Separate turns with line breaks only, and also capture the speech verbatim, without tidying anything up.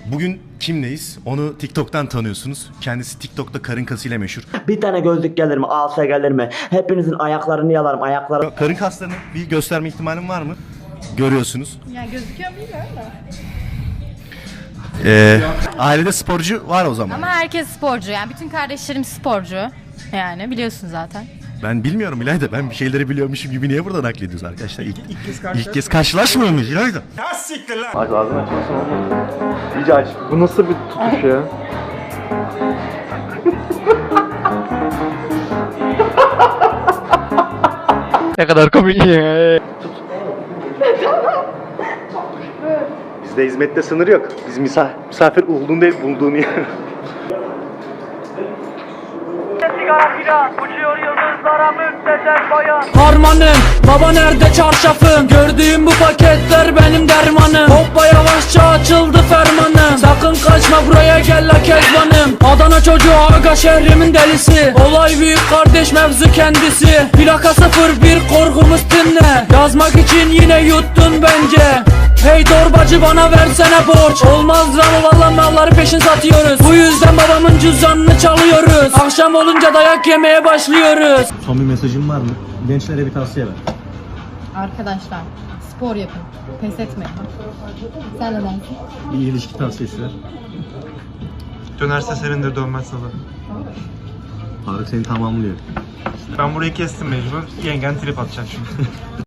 Bugün kimleyiz? Onu TikTok'tan tanıyorsunuz. Kendisi TikTok'ta karın kasıyla meşhur.
Bir tane gözlük gelir mi? Alsa gelir mi? Hepinizin ayaklarını yalarım. Ayakları...
Karın kaslarını bir gösterme ihtimalim var mı? Görüyorsunuz.
Yani gözüküyor mu bilmiyorum da.
Ee, ailede sporcu var o zaman.
Ama herkes sporcu, yani bütün kardeşlerim sporcu. Yani biliyorsun zaten.
Ben bilmiyorum İlayda. Ben bir şeyleri biliyormuşum gibi niye burada naklediyoruz arkadaşlar? İlk, ilk kez, ilk kez karşılaşmıyor muyuz İlayda?
Aç ağzını açmasın olmaz. İyice aç. Bu nasıl bir tutuş ya? Ne kadar komik ya.
Bizde hizmette sınır yok. Biz misafir, misafir olduğun değil bulduğun yer.
Sigara filan uçuyor yıldızlara müptezel bayan.
Harmanım, baba nerede çarşafım? Gördüğüm bu paketler benim dermanım. Hoppa yavaşça açıldı fermanım. Sakın kaçma buraya gel la kezbanım. Adana çocuğu aga şehrimin delisi. Olay büyük kardeş mevzu kendisi. Plaka sıfır bir korkumuz dinle. Yazmak için yine yuttun bence. Hey torbacı bana versene borç. Olmaz lan valla malları peşin satıyoruz. Bu yüzden babamın cüzdanını çalıyoruz. Akşam olunca dayak yemeye başlıyoruz.
Son bir mesajın var mı? Gençlere bir tavsiye ver.
Arkadaşlar, spor yapın. Pes etmeyin. Sen ne dersin?
Bir ilişki tavsiyesi ver.
Dönerse senindir, dönmezse de.
Faruk seni tamamlıyor.
Ben burayı kestim mecbur. Yengen trip atacak şimdi.